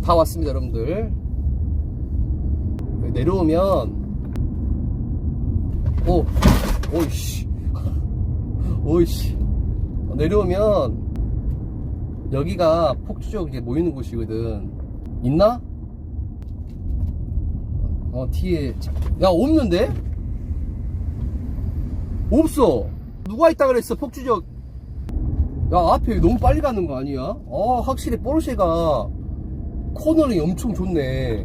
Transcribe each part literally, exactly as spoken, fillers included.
다 왔습니다, 여러분들. 내려오면, 오, 오이씨. 오이씨. 내려오면, 여기가 폭주족 이제 모이는 곳이거든. 있나? 어, 뒤에. 야, 없는데? 없어. 누가 있다 그랬어, 폭주족. 야, 앞에 너무 빨리 가는 거 아니야? 아, 확실히 포르쉐가 코너링이 엄청 좋네.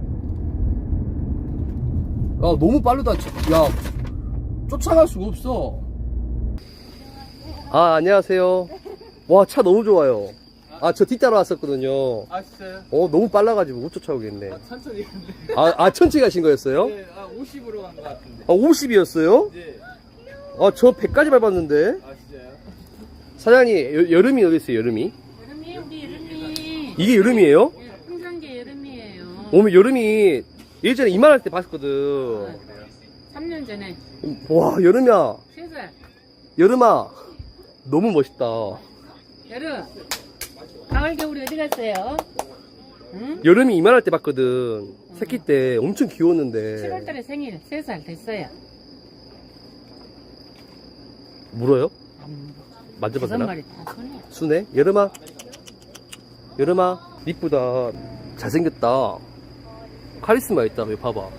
야, 너무 빠르다. 야, 쫓아갈 수가 없어. 아, 안녕하세요. 와, 차 너무 좋아요. 아, 저 뒷따라 왔었거든요. 아, 진짜요? 어, 너무 빨라가지고 못 쫓아오겠네. 아, 천천히 갔는데. 아, 아, 천천히 가신 거였어요? 네, 아, 오십으로 간 것 같은데. 아, 오십이었어요? 네. 아, 저 백까지 밟았는데. 아, 진짜요? 사장님, 여, 여름이 어디 있어요, 여름이? 여름이 우리 여름이 이게 여름이에요? 예, 풍산계 여름이에요. 오면 여름이 예전에 이만할 때 봤었거든. 삼 년 전에 와, 여름이야. 세 살. 여름아. 너무 멋있다. 여름. 가을 겨울이 어디 갔어요? 응? 여름이 이만할 때 봤거든. 새끼 때 엄청 귀여웠는데. 칠월달에 생일 세 살 됐어요. 물어요? 안 물어. 만져봐도 다섯 되나? 마리 다 손에. 순해? 여름아. 여름아. 이쁘다. 잘생겼다. 카리스마 있다. 여기 봐봐.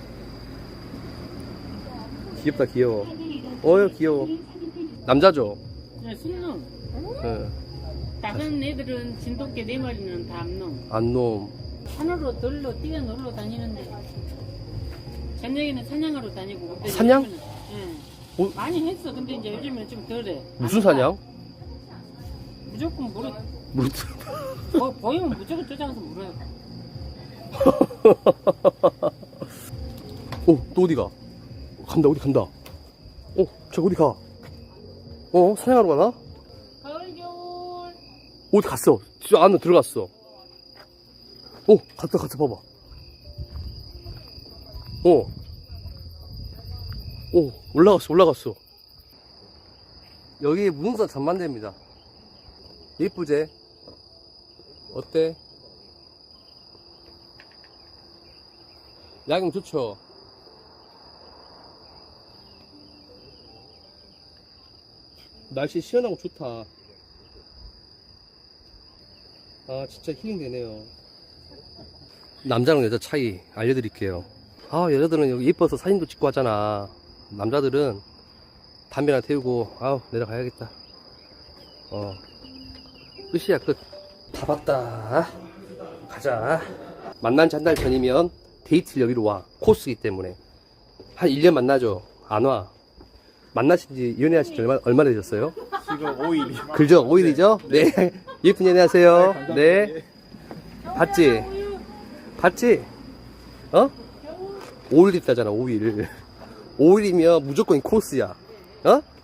귀엽다, 귀여워. 어여, 귀여워. 남자죠? 네, 순놈. 네. 작은 애들은 진돗개 네 마리는 다 암놈. 안놈. 산으로 들로 뛰어놀러 다니는데 저녁에는 사냥하러 다니고. 근데 사냥? 요즘에는, 예. 어? 많이 했어. 근데 이제 요즘은 좀 덜해. 무슨 사냥? 무조건 물어. 물, 어, 보이면 무조건 쫓아가서 물어요. 어, 또 어디가? 간다, 어디 간다. 어, 저 어디 가? 어, 사냥하러 가나? 가을 겨울. 어디 갔어? 저 안으로 들어갔어. 어, 갔다, 갔다, 봐봐. 어. 어, 올라갔어, 올라갔어. 여기 무등산 전망대입니다. 예쁘제? 어때? 야경 좋죠? 날씨 시원하고 좋다. 아, 진짜 힐링 되네요. 남자랑 여자 차이 알려드릴게요. 아, 여자들은 여기 예뻐서 사진도 찍고 하잖아. 남자들은 담배나 태우고, 아우, 내려가야겠다. 어. 끝이야, 끝. 다 봤다. 가자. 만난 지 한 달 전이면 데이트를 여기로 와. 코스이기 때문에. 한 일 년 만나죠. 안 와. 만나신 지, 연애하신 지 얼마, 얼마나 되셨어요? 지금 오 일이요. 그죠? 오 일이죠? 네. 예쁜 연애 하세요. 네. 봤지? 봤지? 어? 오 일 있다잖아, 오 일. 오 일이면 무조건 코스야. 어?